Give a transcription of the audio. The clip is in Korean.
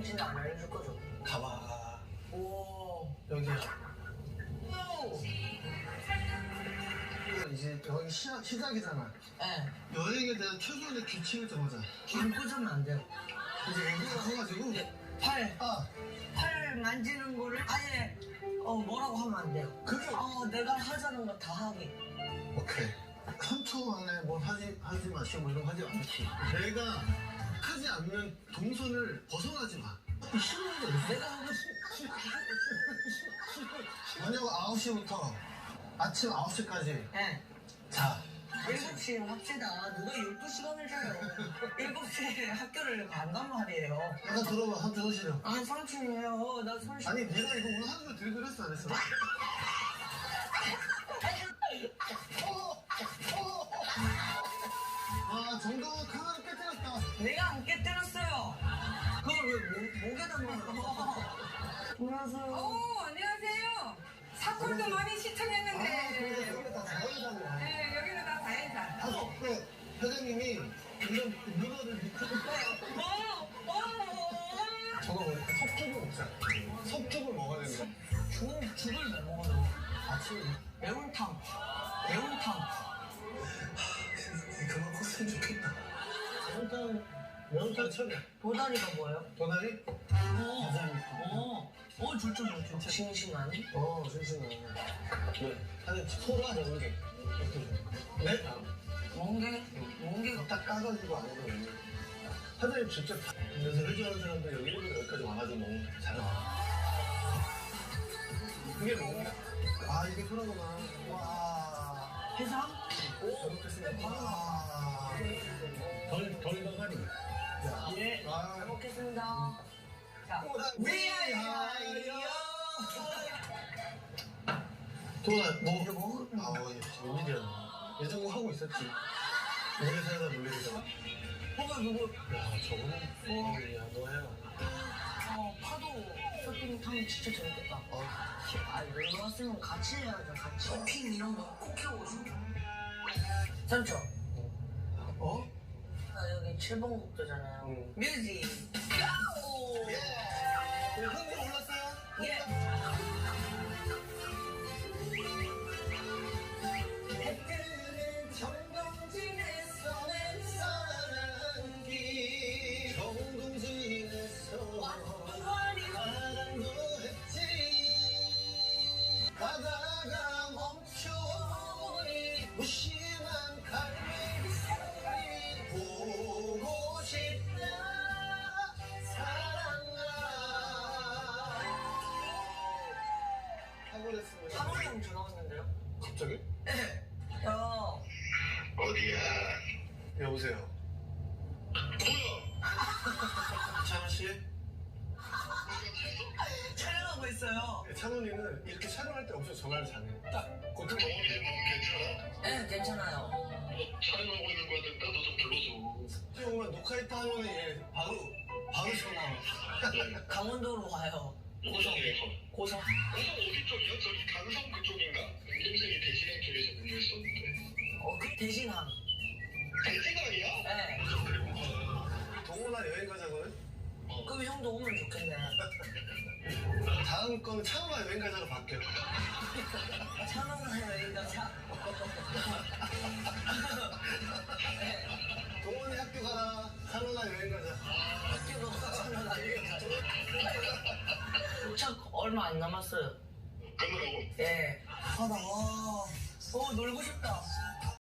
당신 안 알려줄 거죠? 가봐. 오. 여기야. 오. 이제 여기 시작이잖아. 네. 여행에 대한 최소한의 규칙을 정하자. 안 꽂으면 안 돼요. 이제 여기가 커가지고. 팔 만지는 거를 아예 뭐라고 하면 안 돼요. 그게 내가 하자는 거 다 하기. 오케이. 3초 안에 뭐 하지 마시고 뭐 이런 거 하지 않지. 내가 하지 않는 동선을 벗어나지 마. 싫은 게 없어. 내가 하고 싶. 저녁 9시부터 아침 9시까지. 네. 자. 7시에 합시다. 누가 12시간을 자요. 7시에 학교를 간단 말이에요. 잠깐 들어봐. 한번 들으시려. 삼촌이에요. 나 손. 아니 내가 이거 오늘 하는 거 들기로 했어 안 했어? 아 정동원 카메라 깨뜨렸다. 내가 안 깨뜨렸어요. 그걸 왜 목에다 넣어? 안녕하세요. 안녕하세요. 사골도 많이 시청했는데. 여기가 다 자연산이야. 네, 여기는 다 자연산. 다섯 회장님이 이런 문어를 밑에 저거 뭐니까 석죽을 먹자. 석죽을 먹어야 된다. 죽을 왜 먹어요? 아침에 매운탕. 그만 컸으면 좋겠다. 매운탕 처리야. 도다리가 뭐예요? 도다리? 줄줄. 싱싱하니? 신신하네. 네. 아니, 소라 연계. 네? 멍게가 딱 까가지고 안 해도 사장님 직접 그래서 해주는 사람들 여기 일부러 여기까지 와가지고 너무 잘하. 그게 뭐야? 아, 이게 소라구나. 와. 해삼? 잘 먹겠습니다. 와. 덜 덩하리. 예. 잘 먹겠습니다. 자, 위하여. 도나, 웬일이야. 예전공 하고 있었지. 오래 살다 놀리잖아. 누구? 야, 저거는, 야, 너 해라. 파도 서핑 타면 진짜 재밌겠다. 여기 왔으면 같이 해야죠, 같이. 서핑 이런 거 꼭 해보고 싶다. 삼촌. 여기 7번 국도잖아요. 뮤직. 고! 흥분 올랐어요? 예. 해뜨는 정동진의 손에 사랑한 길 정동진에서 사랑도 했지 바다가 멈춰오니 무심한 갈매기 소리 보고 싶다 사랑아 하고랬습니다. 사모님 형 전화 왔는데요? 갑자기? 네. 어디야? 여보세요. 뭐야? 찬호씨? 촬영하고 있어요. 찬호님은 이렇게 촬영할 때 엄청 전화를 잘해. 딱 고통 동원이 좀 괜찮아? 네, 괜찮아요. 촬영하고 있는 거는 나도 좀 불러줘. 오면 녹화했다 하면 얘 바로 전화. 강원도로 와요. 고성이에요. 고성. 고성 어디 쪽이야? 저기 강성 그쪽인가? 동생이 대신행 쪽에서 근무했었는데. 그 대신항. 대신항이야? 네. 동호나 여행 가자고요? 그럼 형도 오면 좋겠네. 다음 거는 찬호나 여행 가자로 바뀌어. 찬호나 여행 가자. 네. 동원이 학교 가라. 찬호나 여행 가자. 학교도 찬호나 여행 가자. 도착 얼마 안 남았어요. 끝나고. 예. 나 놀고 싶다.